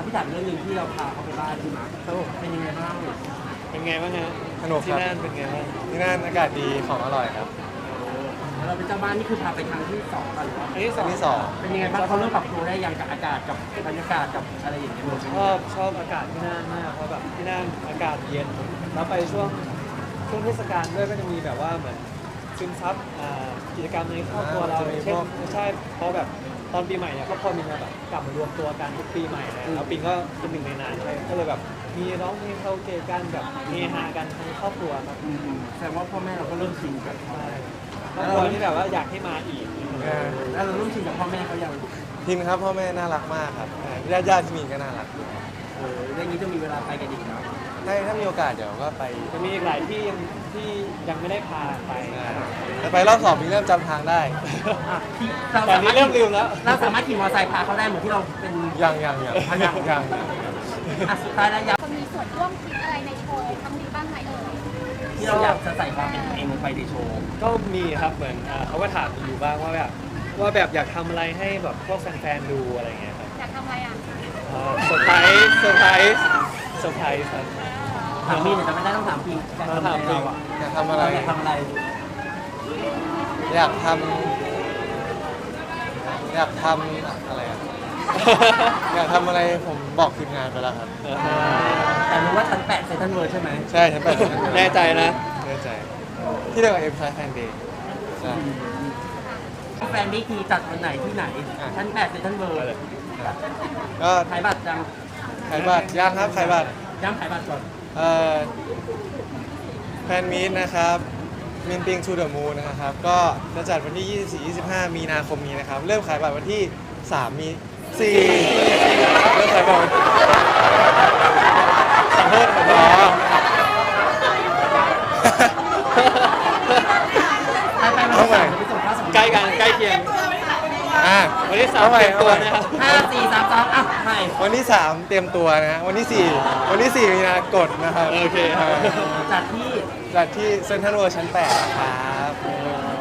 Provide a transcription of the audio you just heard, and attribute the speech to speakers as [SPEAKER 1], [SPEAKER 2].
[SPEAKER 1] พี่ถามเรื่องหนึงที่เราพาเขาไปบ้านใช่ไหมเป็นยังไงบ้าง
[SPEAKER 2] เป็นไงบ้างฮะ
[SPEAKER 3] สนุก
[SPEAKER 2] ที่
[SPEAKER 3] ครับ
[SPEAKER 2] นั่นเป็นไงบ้าง
[SPEAKER 3] ที่นั่นอากาศดีของอร่อยครับ
[SPEAKER 1] แล้วเราเป็นเจ้าบ้านนี่คือพาไปครั้งที่สองกันหรือว่า
[SPEAKER 2] อันที่ส
[SPEAKER 3] อั
[SPEAKER 2] อน ง
[SPEAKER 3] ที่สอง
[SPEAKER 1] เป็นยังไงบ้างเขาเริ่มปรับตัวได้ยังกับอากาศกับบรรยากาศกับอะไรอย่างเงี้ย
[SPEAKER 2] ชอบอากาศที่นั่นมากเพราะแบบที่นั่นอากาศเย็นแล้วไปช่วงเทศกาลด้วยก็จะมีแบบว่าเหมือนซึมซับกิจกรรมในครอบครัวเราอย่างเช่นใช่เพราะแบบตอนปีใหม่เนี่ยครอบครัวมีมาแบบกลับมารวมตัวกันทุกปีใหม่เลยแล้วปิงก็เป็นหนึ่งในนั้นเลยก็เลยแบบมีร้องเพลงคาราโอเกะกันแบบเฮฮากันทั้งครอบครัวครับ
[SPEAKER 1] แสดงว่าพ่อแม่เราก็เริ่มชินกับเขา
[SPEAKER 2] ใช่ครอบครัวที่แบบว่าอยากให้มาอีก
[SPEAKER 1] แล้วเราเริ่มชินกับพ่อแม่เขายัง
[SPEAKER 3] ทินครับพ่อแม่น่ารักมากครับญาติที่มีก็น่ารัก
[SPEAKER 1] เรื่องนี้จะมีเวลาไปกันอีกนะ
[SPEAKER 3] ถ้ามีโอกาสเดี๋ยวก็ไป
[SPEAKER 2] จะมีอีกหลายที่ยังไม่ได้พาไป
[SPEAKER 3] แต่ไปรอบสองมีเริ่มจำทางได้
[SPEAKER 1] ที่เรา
[SPEAKER 2] ตอนนี้เริ่มลืมแล้ว
[SPEAKER 1] เราสามารถขี่มอเตอร์ไซค์พาเขาได้เหมือนที่เราเป็น
[SPEAKER 3] ยัง
[SPEAKER 1] สุดท้ายแล้วอยาก
[SPEAKER 4] จะมีส่วนร่วมคิดอะไรในโชว์ครั้งนี้บ้างไหมเอ่ย
[SPEAKER 1] ที่เราอยากจะใส่ความเป็นตัวเองลงไปในโชว์
[SPEAKER 2] ก็มีครับเหมือนเขาก็ถามอยู่บ้างว่าแบบอยากทำอะไรให้แบบพวกแฟนๆดูอะไรเงี้ยครับ
[SPEAKER 4] อยากทำอะไรอ่ะ
[SPEAKER 2] เซอร์ไพรส์ครับ
[SPEAKER 1] ถามพี่เนี่ยจะไม่ได้ต้องถามพี่การทำอะไรเราอ่ะ
[SPEAKER 3] อยากทำอะไร
[SPEAKER 1] อยากทำอะไร
[SPEAKER 3] อยากทำอะไรอะอยากทำอะไรผมบอกทีมงานไปแล้วครับ
[SPEAKER 1] แต่รู้ว่าชั้น8เซนทรัลเวิร์ใช่ไหม
[SPEAKER 3] ใช่ฉันไป
[SPEAKER 2] แน่ใจนะ
[SPEAKER 3] แน่ใจ ที่เดียวกับเอ็มไซแฟนเดย์ใช่
[SPEAKER 1] แฟนนี่คือจัดวันไหนที่ไหนชั้น8เซนทรัลเวิร์
[SPEAKER 3] ก็
[SPEAKER 1] ขายบัตรจัง
[SPEAKER 3] ขายบัตรยังครับขายบัตร
[SPEAKER 1] ย้ำขายบัตรก่อน
[SPEAKER 3] แฟนมีตนะครับมินปิงทูเดอะมูนนะครับ ก็จะจัดวันที่ 24-25 มีนาคมนี้นะครับ เริ่มขายบัตรวันที่ 3 มี4เริ่มขายบัตรวันขอโทษอ๋อ
[SPEAKER 1] ไปวันที่3จะไปส่งข้าวสาร
[SPEAKER 2] ใกล้กันใกล้เคียง วันที่3เตรียมตัวนะครับ
[SPEAKER 1] 5 4 3 2อ่ะไป
[SPEAKER 3] วันที่ 3 เตรียมตัวนะฮะวันที่ 4 มีนากดนะครับ
[SPEAKER 2] โอเคครับ
[SPEAKER 1] จัดที่
[SPEAKER 3] จัดที่เซ็นทรัลเวิลด์ชั้น 8 นะครับ